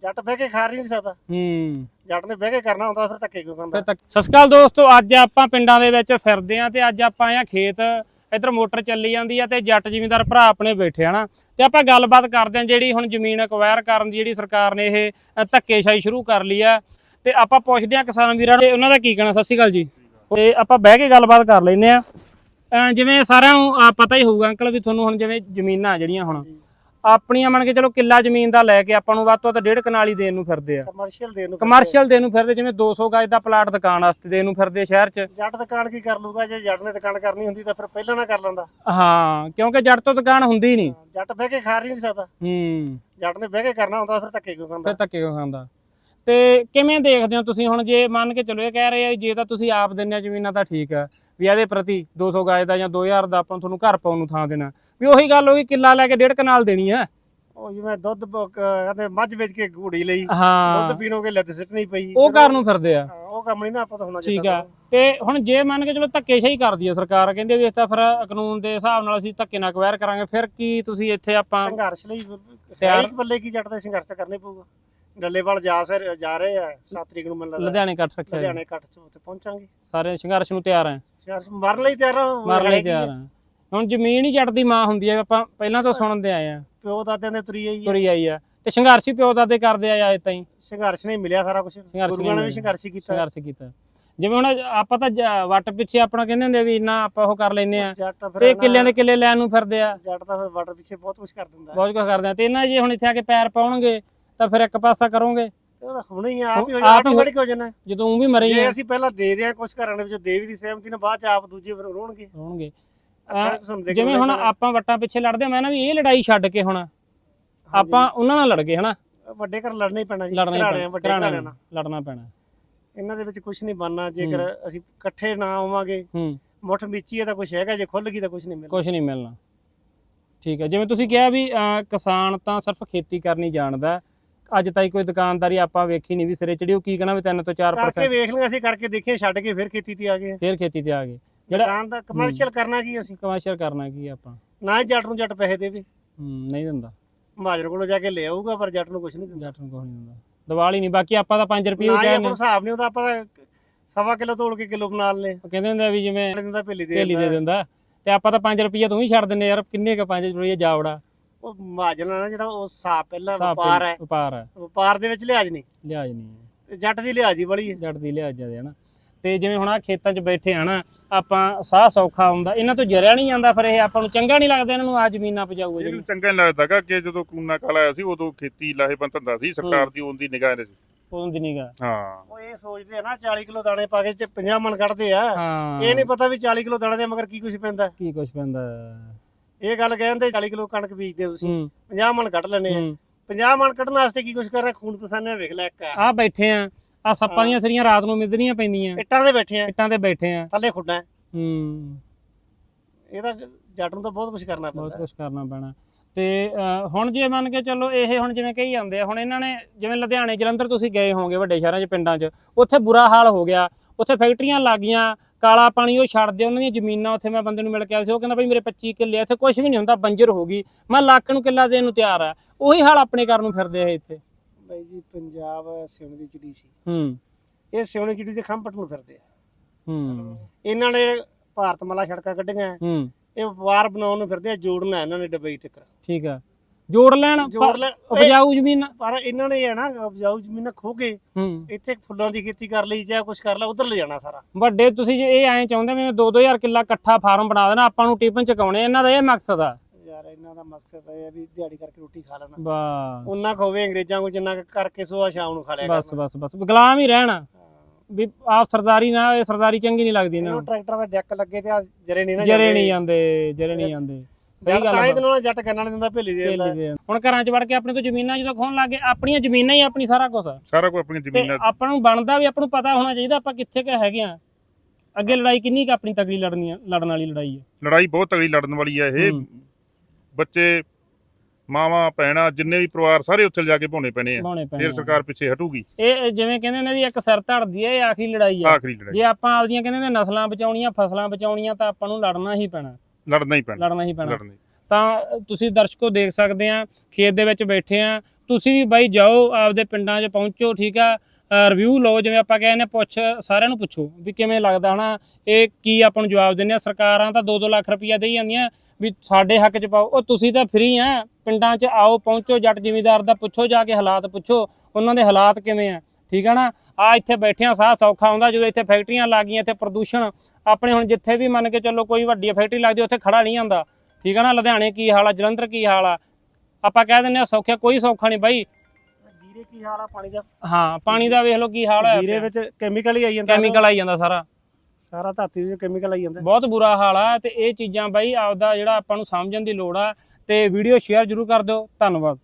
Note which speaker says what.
Speaker 1: ਜੱਟ ਬਹਿ ਕੇ ਖਾ ਨਹੀਂ ਸਕਦਾ। ਜੱਟ ਨੇ ਬਹਿ ਕੇ ਕਰਨਾ ਹੁੰਦਾ, ਫਿਰ ਧੱਕੇ ਕਿਉਂ ਖਾਂਦਾ।
Speaker 2: ਸਤਿ ਸ਼੍ਰੀ ਅਕਾਲ ਦੋਸਤੋ, ਅੱਜ ਆਪਾਂ ਪਿੰਡਾਂ ਦੇ ਵਿੱਚ ਫਿਰਦੇ ਆਂ ਤੇ ਅੱਜ ਆਪਾਂ ਆਏ ਖੇਤ। ਇੱਧਰ ਮੋਟਰ ਚੱਲੀ ਜਾਂਦੀ ਆ ਤੇ ਜੱਟ ਜ਼ਿਮੀਂਦਾਰ ਭਰਾ ਆਪਣੇ ਬੈਠੇ ਹਨਾ, ਤੇ ਆਪਾਂ ਗੱਲਬਾਤ ਕਰਦੇ ਆਂ ਜਿਹੜੀ ਹੁਣ ਜ਼ਮੀਨ ਅਕਵਾਇਰ ਕਰਨ ਦੀ ਜਿਹੜੀ ਸਰਕਾਰ ਨੇ ਇਹ ਧੱਕੇਸ਼ਾਹੀ ਸ਼ੁਰੂ ਕਰ ਲਈ ਆ, ਤੇ ਆਪਾਂ ਪੁੱਛਦੇ ਆਂ ਕਿਸਾਨ ਵੀਰਾਂ ਨੂੰ ਉਹਨਾਂ ਦਾ ਕੀ ਕਹਿਣਾ। ਸਤਿ ਸ਼੍ਰੀ ਅਕਾਲ ਜੀ। ਤੇ ਆਪਾਂ ਬਹਿ ਕੇ ਗੱਲਬਾਤ ਕਰ ਲੈਂਦੇ ਆ। ਜਿਵੇਂ ਸਾਰਿਆਂ ਨੂੰ ਪਤਾ ਹੀ ਹੋਊਗਾ ਅੰਕਲ ਵੀ ਤੁਹਾਨੂੰ ਹੁਣ ਜਿਵੇਂ ਜ਼ਮੀਨਾਂ ਜਿਹੜੀਆਂ ਹੁਣ ਆਪਣੀਆਂ ਮੰਨ ਕੇ ਚਲੋ ਕਿੱਲਾ ਜ਼ਮੀਨ ਦਾ ਲੈ ਕੇ ਆਪਾਂ ਨੂੰ ਵੱਧ ਤੋਂ ਵੱਧ 1.5 ਕਨਾਲੀ ਦੇਣ ਨੂੰ ਫਿਰਦੇ ਆ, ਕਮਰਸ਼ੀਅਲ ਦੇਣ ਨੂੰ ਫਿਰਦੇ, ਜਿਵੇਂ 200 ਗਜ ਦਾ ਪਲਾਟ ਦੁਕਾਨ ਵਾਸਤੇ ਦੇਣ ਨੂੰ ਫਿਰਦੇ ਸ਼ਹਿਰ 'ਚ।
Speaker 1: ਜੱਟ ਦੁਕਾਨ ਕੀ ਕਰ ਲੂਗਾ, ਜੇ ਜੱਟ ਨੇ ਦੁਕਾਨ ਕਰਨੀ ਹੁੰਦੀ ਤਾਂ ਫਿਰ ਪਹਿਲਾਂ ਨਾ ਕਰ ਲੈਂਦਾ।
Speaker 2: ਹਾਂ, ਕਿਉਂਕਿ ਜੱਟ ਤੋਂ ਦੁਕਾਨ ਹੁੰਦੀ ਨਹੀਂ,
Speaker 1: ਜੱਟ ਬਹਿ ਕੇ ਖਾ ਨਹੀਂ ਸਕਦਾ। ਜੱਟ ਨੇ ਬਹਿ ਕੇ ਕਰਨਾ ਹੁੰਦਾ, ਫਿਰ ਧੱਕੇ ਕਿਉਂ ਖਾਂਦਾ।
Speaker 2: ਫਿਰ ਧੱਕੇ ਕਿਉਂ ਖਾਂਦਾ। ਤੇ ਕਿਵੇਂ ਦੇਖਦੇ ਹੋ ਤੁਸੀਂ ਹੁਣ, ਜੇ ਮੰਨ ਕੇ ਚਲੋ ਇਹ ਕਹਿ ਰਹੇ ਆ ਜੇ ਤਾਂ ਤੁਸੀਂ ਆਪ ਦਿੰਦੇ ਆ ਜ਼ਮੀਨਾਂ ਤਾਂ ਠੀਕ ਆ ਵੀ ਇਹਦੇ ਪ੍ਰਤੀ 200 ਗਜ ਦਾ ਜਾਂ 2000 ਦਾ ਆਪਾਂ ਤੁਹਾਨੂੰ ਘਰ ਪਾਉਣ ਨੂੰ ਥਾਂ ਦੇਣਾ, ਵੀ ਉਹੀ ਗੱਲ ਹੋਈ ਕਿੱਲਾ ਲੈ ਕੇ 1.5 ਕਨਾਲ ਦੇਣੀ ਆ।
Speaker 1: ਉਹ ਜਿਵੇਂ ਦੁੱਧ ਕਹਿੰਦੇ ਮੱਝ ਵੇਚ ਕੇ ਘੋੜੀ ਲਈ,
Speaker 2: ਹਾਂ
Speaker 1: ਦੁੱਧ ਪੀਣੋਗੇ ਲੱਤ ਸਿੱਟਣੀ ਪਈ,
Speaker 2: ਉਹ ਕਰਨ ਨੂੰ ਫਿਰਦੇ ਆ।
Speaker 1: ਉਹ ਕੰਮ ਨਹੀਂ ਨਾ ਆਪਾਂ ਤਾਂ ਹੋਣਾ
Speaker 2: ਠੀਕ ਆ। ਤੇ ਹੁਣ ਜੇ ਮੰਨ ਕੇ ਚਲੋ ਧੱਕੇਸ਼ਾਹੀ ਕਰਦੀ ਆ ਸਰਕਾਰ, ਕਹਿੰਦੇ ਵੀ ਇਸ ਤਾਂ ਫਿਰ ਕਾਨੂੰਨ ਦੇ ਹਿਸਾਬ ਨਾਲ ਅਸੀਂ ਧੱਕੇ ਨਾਲ ਅਕਵਾਇਰ ਕਰਾਂਗੇ, ਫਿਰ ਕੀ ਤੁਸੀਂ ਇੱਥੇ ਆਪਾਂ
Speaker 1: ਸੰਘਰਸ਼ ਲਈ ਇੱਕ ਬੱਲੇ ਕੀ ਜੱਟ ਦਾ ਸੰਘਰਸ਼ ਤਾਂ ਕਰਨਾ ਪਊਗਾ। ਡੱਲੇਵਾਲ ਜਾ ਰਹੇ ਆ 7 ਤਰੀਕ ਨੂੰ, ਮੈਨੂੰ ਲੱਗਦਾ
Speaker 2: ਲੁਧਿਆਣੇ ਇਕੱਠ ਰੱਖਿਆ,
Speaker 1: ਲੁਧਿਆਣੇ ਇਕੱਠ 'ਚ ਉੱਥੇ ਪਹੁੰਚਾਂਗੇ।
Speaker 2: ਸਾਰੇ ਸੰਘਰਸ਼ ਨੂੰ ਤਿਆਰ ਆ,
Speaker 1: ਸੰਘਰਸ਼ ਮਰਨ ਲਈ ਤਿਆਰ ਆ,
Speaker 2: ਮਰਨ ਲਈ ਤਿਆਰ ਆ। ਹੁਣ ਜ਼ਮੀਨ ਹੀ ਜੱਟ ਦੀ ਮਾਂ ਹੁੰਦੀ ਆ, ਆਪਾਂ ਪਹਿਲਾਂ ਤੋਂ ਸੁਣਦੇ ਆਏ ਆ,
Speaker 1: ਪਿਓ ਦਾਦਿਆਂ ਦੇ
Speaker 2: ਤੁਰੀ ਆਈ ਆ, ਤੇ ਸੰਘਰਸ਼ ਹੀ ਪਿਓ ਦਾਦੇ ਕਰਦੇ ਆ ਅਜੇ ਤਾਈਂ।
Speaker 1: ਸੰਘਰਸ਼ ਨਹੀਂ ਮਿਲਿਆ ਸਾਰਾ ਕੁਝ, ਗੁਰੂਆਂ ਨੇ ਵੀ ਸੰਘਰਸ਼ ਕੀਤਾ।
Speaker 2: ਜਿਵੇਂ ਹੁਣ ਆਪਾਂ ਤਾਂ ਵੱਟ ਪਿੱਛੇ ਆਪਣਾ ਕਹਿੰਦੇ ਹੁੰਦੇ ਵੀ ਇੰਨਾ ਆਪਾਂ ਉਹ ਕਰ ਲੈਨੇ ਆ, ਤੇ ਕਿੱਲਿਆਂ ਦੇ ਕਿੱਲੇ ਲੈਣ ਨੂੰ ਫਿਰਦੇ ਆ।
Speaker 1: ਜੱਟ ਤਾਂ ਫਿਰ ਵੱਟ ਪਿੱਛੇ ਬਹੁਤ ਕੁਝ ਕਰ ਦਿੰਦਾ,
Speaker 2: ਬਹੁਤ ਕੁਝ ਕਰਦੇ ਆ। ਤੇ ਇਹਨਾਂ ਜੇ ਹੁਣ ਇੱਥੇ ਆ ਕੇ ਪੈਰ ਪਾਉਣਗੇ ਤਾਂ ਫਿਰ ਇੱਕ ਪਾਸਾ ਕਰੋਗੇ,
Speaker 1: ਉਹ ਤਾਂ ਹੁਣੇ ਹੀ ਆਪ ਹੀ ਹੋ ਜਾਣਾ
Speaker 2: ਜਦੋਂ ਉਹ ਵੀ ਮਰੇ।
Speaker 1: ਜੇ ਅਸੀਂ ਪਹਿਲਾਂ ਦੇ ਦਿਆਂ ਕੁਝ ਘਰਾਂ ਦੇ ਵਿੱਚ ਦੇਵੀ ਦੀ ਸਹਿਮਤੀ ਨਾਲ, ਬਾਅਦ ਚ ਆਪ ਦੂਜੇ ਫਿਰ ਰੋਣਗੇ।
Speaker 2: ਜਿਵੇਂ ਹੁਣ ਆਪਾਂ ਵੱਟਾਂ ਪਿੱਛੇ ਲੜਦੇ ਆ, ਮੈਂ ਨਾ ਵੀ ਇਹ ਲੜਾਈ ਛੱਡ ਕੇ ਹੁਣ ਆਪਾਂ ਉਹਨਾਂ ਨਾਲ ਲੜ ਗਏ ਹਨਾ।
Speaker 1: ਵੱਡੇ ਘਰ ਲੜਨਾ ਹੀ ਪੈਣਾ ਜੀ,
Speaker 2: ਲੜਨਾ ਪੈਣਾ।
Speaker 1: ਇਹਨਾਂ ਦੇ ਵਿੱਚ ਕੁਝ ਨਹੀਂ ਬਣਨਾ ਜੇਕਰ ਅਸੀਂ ਇਕੱਠੇ ਨਾ ਆਵਾਂਗੇ। ਮੁੱਠ ਮੀਚੀ ਹੈ ਤਾਂ ਕੁਝ ਹੈਗਾ, ਜੇ ਖੁੱਲ ਗਈ ਤਾਂ ਕੁਝ ਨਹੀਂ ਮਿਲਣਾ। ਠੀਕ ਹੈ, ਜਿਵੇਂ ਤੁਸੀਂ ਕਿਹਾ ਵੀ ਕਿਸਾਨ ਤਾਂ ਸਿਰਫ ਖੇਤੀ ਕਰਨੀ ਜਾਣਦਾ, ਅੱਜ ਤਾਈਂ ਕੋਈ ਦੁਕਾਨਦਾਰੀ ਆਪਾਂ ਵੇਖੀ ਨਹੀਂ ਵੀ ਸਿਰੇ ਚੜੀ। ਉਹ ਕੀ ਕਹਿਣਾ ਵੀ 3 ਤੋਂ 4% ਕਰਕੇ ਵੇਖ ਲਿਆ, ਅਸੀਂ ਕਰਕੇ ਦੇਖੇ, ਛੱਡ ਕੇ ਫਿਰ ਖੇਤੀ ਤੇ ਆ ਗਏ।
Speaker 2: ਜਿਹੜਾ
Speaker 1: ਦਾ ਕਮਰਸ਼ੀਅਲ ਕਰਨਾ ਕੀ, ਅਸੀਂ
Speaker 2: ਕਮਰਸ਼ੀਅਲ ਕਰਨਾ ਕੀ ਆਪਾਂ
Speaker 1: ਨਾ ਹੀ ਜੱਟ ਨੂੰ ਜੱਟ ਪੈਸੇ ਦੇਵੇ,
Speaker 2: ਨਹੀਂ ਦਿੰਦਾ।
Speaker 1: ਮਹਾਜਰ ਕੋਲੋਂ ਜਾ ਕੇ ਲੈ ਆਊਗਾ, ਪਰ ਜੱਟ ਨੂੰ ਕੁਝ ਨਹੀਂ ਦਿੰਦਾ।
Speaker 2: ਦੀਵਾਲੀ ਨਹੀਂ, ਬਾਕੀ ਆਪਾਂ ਤਾਂ 5 ਰੁਪਏ
Speaker 1: ਕਹਿੰਦੇ ਹਿਸਾਬ ਨਹੀਂ ਉਹਦਾ, ਆਪਾਂ ਤਾਂ 1.25 ਕਿਲੋ ਤੋੜ ਕੇ ਕਿਲੋ ਬਣਾ ਲਏ।
Speaker 2: ਕਹਿੰਦੇ ਹੁੰਦੇ ਵੀ ਜਿਵੇਂ
Speaker 1: ਭੇਲੀ
Speaker 2: ਦੇ ਦਿੰਦਾ, ਤੇ ਆਪਾਂ ਤਾਂ 5 ਰੁਪਏ ਤੂੰ ਹੀ ਛੱਡ ਦਿੰਦੇ ਯਾਰ, ਕਿੰਨੇ ਕ 5 ਰੁਪਏ ਜਾਵੜਾ।
Speaker 1: ਉਹ ਮਹਾਜਰ ਨਾਲ ਜਿਹੜਾ ਉਹ ਹਿਸਾਬ ਪਹਿਲਾਂ ਵਪਾਰ ਦੇ ਵਿੱਚ ਲਿਹਾਜ਼ ਨਹੀਂ, ਤੇ ਜੱਟ ਦੀ ਲਿਹਾਜ਼ ਹੀ ਬੜੀ ਹੈ,
Speaker 2: ਜੱਟ ਦੀ ਲਿਹਾਜ਼ ਜਿਆਦਾ ਹੈ ਨਾ। ਤੇ ਜਿਵੇਂ ਹੁਣ ਆ ਖੇਤਾਂ 'ਚ ਬੈਠੇ ਆ ਨਾ ਆਪਾਂ, ਸਾਹ ਸੌਖਾ ਹੁੰਦਾ, ਇਹਨਾਂ ਤੋਂ ਜਰਿਆ ਨਹੀਂ ਜਾਂਦਾ, ਫਿਰ ਇਹ ਆਪਾਂ ਨੂੰ ਚੰਗਾ ਨਹੀਂ ਲੱਗਦਾ ਇਹਨਾਂ ਨੂੰ ਆ ਜ਼ਮੀਨਾਂ ਪਜਾਊਗਾ।
Speaker 3: ਇਹਨੂੰ ਚੰਗਾ ਨਹੀਂ ਲੱਗਦਾ ਕਿ ਜਦੋਂ ਕੂਨਾ ਕਾਲ ਆਇਆ ਸੀ ਉਦੋਂ ਖੇਤੀ ਲਾਹੇਵੰਦ ਧੰਦਾ ਸੀ, ਸਰਕਾਰ ਦੀ ਉਹਦੀ ਨਿਗਾਹ ਦੇ
Speaker 1: ਹਾਂ। ਉਹ ਇਹ ਸੋਚਦੇ ਆ ਨਾ 40 ਕਿਲੋ ਦਾਣੇ ਪਾ ਕੇ 50 ਮਣ ਕੱਢਦੇ ਆ, ਇਹ ਨਹੀਂ ਪਤਾ ਵੀ 40 ਕਿਲੋ ਦਾਣੇ ਦੇ ਮਗਰ ਕੀ ਕੁਝ ਪੈਂਦਾ। ਇਹ ਗੱਲ ਕਹਿੰਦੇ 40 ਕਿਲੋ ਕਣਕ ਬੀਜਦੇ ਤੁਸੀਂ 50 ਮਣ ਕੱਢ ਲੈਣੇ ਆ, 50 ਮਣ ਕੱਢਣ ਵਾਸਤੇ ਕੀ ਕੁਝ ਕਰ ਰਿਹਾ, ਖੂਨ ਪਸਾਨੇ ਵੇਖ ਲੈ। ਇੱਕ
Speaker 2: ਆ ਬੈਠੇ ਆ ਸੱਪਾਂ ਦੀਆਂ ਸਰੀਆਂ ਰਾਤ ਨੂੰ ਮਿੱਧਣੀਆਂ ਪੈਂਦੀਆਂ,
Speaker 1: ਇੱਟਾਂ ਤੇ ਬੈਠੇ ਆ ਥੱਲੇ ਖੁੱਡਾਂ। ਇਹਦਾ ਜੱਟ ਨੂੰ ਤਾਂ ਬਹੁਤ ਕੁਝ ਕਰਨਾ
Speaker 2: ਪੈਣਾ। ਤੇ ਹੁਣ ਜੇ ਮੰਨ ਕੇ ਚਲੋ ਇਹ ਹੁਣ ਜਿਵੇਂ ਕਹੀ ਜਾਂਦੇ ਆ, ਹੁਣ ਇਹਨਾਂ ਨੇ ਜਿਵੇਂ ਲੁਧਿਆਣੇ ਜਲੰਧਰ ਤੁਸੀਂ ਗਏ ਹੋਵੋਗੇ, ਵੱਡੇ ਸ਼ਹਿਰਾਂ 'ਚ ਪਿੰਡਾਂ 'ਚ, ਉੱਥੇ ਬੁਰਾ ਹਾਲ ਹੋ ਗਿਆ, ਉੱਥੇ ਫੈਕਟਰੀਆਂ ਲੱਗ ਗਈਆਂ, ਕਾਲਾ ਪਾਣੀ ਉਹ ਛੱਡਦੇ, ਉਹਨਾਂ ਦੀਆਂ ਜ਼ਮੀਨਾਂ। ਉੱਥੇ ਮੈਂ ਬੰਦੇ ਨੂੰ ਮਿਲ ਕੇ ਆਇਆ ਸੀ, ਉਹ ਕਹਿੰਦਾ ਬਈ ਮੇਰੇ 25 ਕਿੱਲੇ, ਇੱਥੇ ਕੁਝ ਵੀ ਨਹੀਂ ਹੁੰਦਾ, ਬੰਜਰ ਹੋ ਗਈ, ਮੈਂ ਲੱਖ ਨੂੰ ਕਿੱਲਾ ਦੇਣ ਨੂੰ ਤਿਆਰ ਆ। ਉਹੀ ਹਾਲ ਆਪਣੇ ਕਰਨ ਨੂੰ ਫਿਰਦੇ ਆ ਇੱਥੇ।
Speaker 1: ਬਾਈ ਜੀ ਪੰਜਾਬ ਸਿਉਣੇ ਦੀ ਚਿੜੀ ਸੀ, ਇਹ ਸਿਉਣੇ ਚਿੜੀ ਦੇ ਖੰਭ ਪੱਟਣ ਨੂੰ ਫਿਰਦੇ ਆ। ਇਹਨਾਂ ਨੇ ਭਾਰਤ ਮਾਲਾ ਸੜਕਾਂ ਕੱਢੀਆਂ, ਇਹ ਵਪਾਰ ਬਣਾਉਣ ਨੂੰ ਫਿਰਦੇ ਆ, ਜੋੜਨਾ ਇਹਨਾਂ ਨੇ ਡਬਈ ਤੱਕ।
Speaker 2: ਠੀਕ ਆ, ਜੋੜ ਲੈਣ ਉਪਜਾਊ ਜ਼ਮੀਨ,
Speaker 1: ਪਰ ਇਹਨਾਂ ਨੇ ਹੈ ਨਾ ਉਪਜਾਊ ਜ਼ਮੀਨਾਂ ਖੋ ਕੇ ਇੱਥੇ ਫੁੱਲਾਂ ਦੀ ਖੇਤੀ ਕਰ ਲਈ, ਜਾਂ ਕੁਝ ਕਰ ਲਾ, ਉਧਰ ਲੈ ਜਾਣਾ ਸਾਰਾ।
Speaker 2: ਵੱਡੇ ਤੁਸੀਂ ਜੇ ਇਹ ਐਂ ਚਾਹੁੰਦੇ ਵੀ 2-2000 ਕਿੱਲਾ ਇਕੱਠਾ ਫਾਰਮ ਬਣਾ ਦੇਣਾ, ਆਪਾਂ ਨੂੰ ਟਿਫਨ ਚਕਾਉਣੇ, ਇਹਨਾਂ ਦਾ ਇਹ ਮਕਸਦ ਆ
Speaker 1: ਯਾਰ। ਇਹਨਾਂ ਦਾ ਮਕਸਦ ਇਹ ਹੈ ਵੀ ਦਿਹਾੜੀ ਕਰਕੇ ਰੋਟੀ ਖਾ ਲੈਣਾ,
Speaker 2: ਬਸ
Speaker 1: ਉਹਨਾਂ ਖੋਵੇ ਅੰਗਰੇਜ਼ਾਂ ਕੋਲ ਜਿੰਨਾ ਕਰਕੇ ਸੋਆ ਸ਼ਾਮ ਨੂੰ ਖਾ ਲਿਆ,
Speaker 2: ਬਸ ਗੁਲਾਮ ਹੀ ਰਹਿਣਾ ਵੀ ਆਪ ਸਰਦਾਰੀ ਨਾ, ਇਹ ਸਰਦਾਰੀ ਚੰਗੀ ਨਹੀਂ ਲੱਗਦੀ ਇਹਨਾਂ ਨੂੰ।
Speaker 1: ਟਰੈਕਟਰਾਂ ਦਾ ਡੈਕ ਲੱਗੇ ਤੇ ਜਰੇ ਨਹੀਂ
Speaker 2: ਜਾਂਦੇ। ਸਹੀ ਗੱਲ ਹੈ,
Speaker 1: ਤਾਂ ਜੱਟ ਕੰਨਾਂ ਦਿੰਦਾ, ਭੇਲੀ ਦੇ ਦਿੰਦਾ।
Speaker 2: ਹੁਣ ਘਰਾਂ 'ਚ ਵੜ ਕੇ ਆਪਣੇ ਤੋਂ ਜ਼ਮੀਨਾਂ ਜਦੋਂ ਖੋਣ ਲੱਗੇ, ਆਪਣੀਆਂ ਜ਼ਮੀਨਾਂ ਹੀ ਆਪਣੀ ਸਾਰਾ ਕੁਝ
Speaker 3: ਆਪਣੀਆਂ ਜ਼ਮੀਨਾਂ।
Speaker 2: ਆਪਾਂ ਨੂੰ ਬਣਦਾ ਵੀ ਆਪਾਂ ਨੂੰ ਪਤਾ ਹੋਣਾ ਚਾਹੀਦਾ ਆਪਾਂ ਕਿੱਥੇ ਕੁ ਹੈਗੇ ਆ, ਅੱਗੇ ਲੜਾਈ ਕਿੰਨੀ ਕੁ ਆਪਣੀ ਤਗੜੀ ਲੜਨ ਵਾਲੀ ਲੜਾਈ ਹੈ।
Speaker 3: ਲੜਾਈ ਬਹੁਤ ਤਗੜੀ ਲੜਨ ਵਾਲੀ ਹੈ ਇਹ। ਬੱਚੇ, ਮਾਵਾਂ, ਭੈਣਾਂ, ਜਿੰਨੇ ਵੀ ਪਰਿਵਾਰ ਸਾਰੇ ਉੱਥੇ ਜਾ ਕੇ ਭਾਉਣੇ ਪੈਣੇ ਆ, ਫਿਰ ਸਰਕਾਰ ਪਿੱਛੇ ਹਟੂਗੀ।
Speaker 2: ਇਹ ਜਿਵੇਂ ਕਹਿੰਦੇ ਨੇ ਵੀ ਇੱਕ ਸਿਰ ਧੜਦੀ ਹੈ, ਇਹ ਆਖਰੀ ਲੜਾਈ ਹੈ। ਜੇ ਆਪਾਂ ਆਪਦੀਆਂ ਕਹਿੰਦੇ ਨੇ ਨਸਲਾਂ ਬਚਾਉਣੀਆਂ, ਫਸਲਾਂ ਬਚਾਉਣੀਆਂ, ਤਾਂ ਆਪਾਂ ਨੂੰ ਲੜਨਾ ਹੀ ਪੈਣਾ। ਤਾਂ ਤੁਸੀਂ ਦਰਸ਼ਕੋ ਦੇਖ ਸਕਦੇ ਆ, ਖੇਤ ਦੇ ਵਿੱਚ ਬੈਠੇ ਆ, ਤੁਸੀਂ ਵੀ ਬਾਈ ਜਾਓ ਆਪਦੇ ਪਿੰਡਾਂ 'ਚ ਪਹੁੰਚੋ, ਠੀਕ ਆ, ਰਿਵਿਊ ਲਓ, ਜਿਵੇਂ ਆਪਾਂ ਕਹਿੰਦੇ ਸਾਰਿਆਂ ਨੂੰ ਪੁੱਛੋ ਵੀ ਕਿਵੇਂ ਲੱਗਦਾ ਹਨਾ, ਇਹ ਕੀ ਆਪਾਂ ਨੂੰ ਜਵਾਬ ਦਿੰਦੇ ਆ। ਸਰਕਾਰਾਂ ਤਾਂ 2-2 ਲੱਖ ਰੁਪਈਆ ਦੇਈ ਜਾਂਦੀਆਂ ਵੀ ਸਾਡੇ ਹੱਕ 'ਚ ਪਾਓ, ਉਹ ਤੁਸੀਂ ਤਾਂ ਫ੍ਰੀ ਆ, ਪਿੰਡਾਂ 'ਚ ਆਓ, ਪਹੁੰਚੋ, ਜੱਟ ਜ਼ਿਮੀਂਦਾਰ ਦਾ ਪੁੱਛੋ, ਜਾ ਕੇ ਹਾਲਾਤ ਪੁੱਛੋ, ਉਹਨਾਂ ਦੇ ਹਾਲਾਤ ਕਿਵੇਂ ਆ, ਠੀਕ ਆ ਨਾ। ਆ ਇੱਥੇ ਬੈਠਿਆਂ ਸਾਹ ਸੌਖਾ ਆਉਂਦਾ, ਜਦੋਂ ਇੱਥੇ ਫੈਕਟਰੀਆਂ ਲੱਗ ਗਈਆਂ, ਇੱਥੇ ਪ੍ਰਦੂਸ਼ਣ ਆਪਣੇ ਹੁਣ ਜਿੱਥੇ ਵੀ ਮੰਨ ਕੇ ਚੱਲੋ ਕੋਈ ਵੱਡੀ ਫੈਕਟਰੀ ਲੱਗਦੀ ਉੱਥੇ ਖੜਾ ਨਹੀਂ ਆਉਂਦਾ, ਠੀਕ ਆ ਨਾ। ਲੁਧਿਆਣੇ ਕੀ ਹਾਲ ਆ, ਜਲੰਧਰ ਕੀ ਹਾਲ ਆ, ਆਪਾਂ ਕਹਿ ਦਿੰਦੇ ਆ ਸੌਖਿਆ, ਕੋਈ ਸੌਖਾ ਨਹੀਂ ਬਾਈ।
Speaker 1: ਜੀਰੇ ਕੀ ਹਾਲ ਆ ਪਾਣੀ ਦਾ?
Speaker 2: ਹਾਂ, ਪਾਣੀ ਦਾ ਵੇਖ ਲਓ ਕੀ ਹਾਲ ਹੈ,
Speaker 1: ਜੀਰੇ ਵਿੱਚ ਕੈਮੀਕਲ ਹੀ ਆਈ ਜਾਂਦਾ,
Speaker 2: ਕੈਮੀਕਲ ਆਈ ਜਾਂਦਾ,
Speaker 1: ਸਾਰਾ ਧਰਤੀ ਵਿੱਚ ਕੈਮੀਕਲ ਆਈ ਜਾਂਦਾ,
Speaker 2: ਬਹੁਤ ਬੁਰਾ ਹਾਲ ਆ। ਤੇ ਇਹ ਚੀਜ਼ਾਂ ਬਾਈ ਆਪਦਾ ਜਿਹੜਾ ਆਪਾਂ ਨੂੰ ਸਮਝਣ ਦੀ ਲੋੜ ਆ, ਤੇ ਵੀਡੀਓ ਸ਼ੇਅਰ ਜ਼ਰੂਰ ਕਰ ਦਿਓ। ਧੰਨਵਾਦ।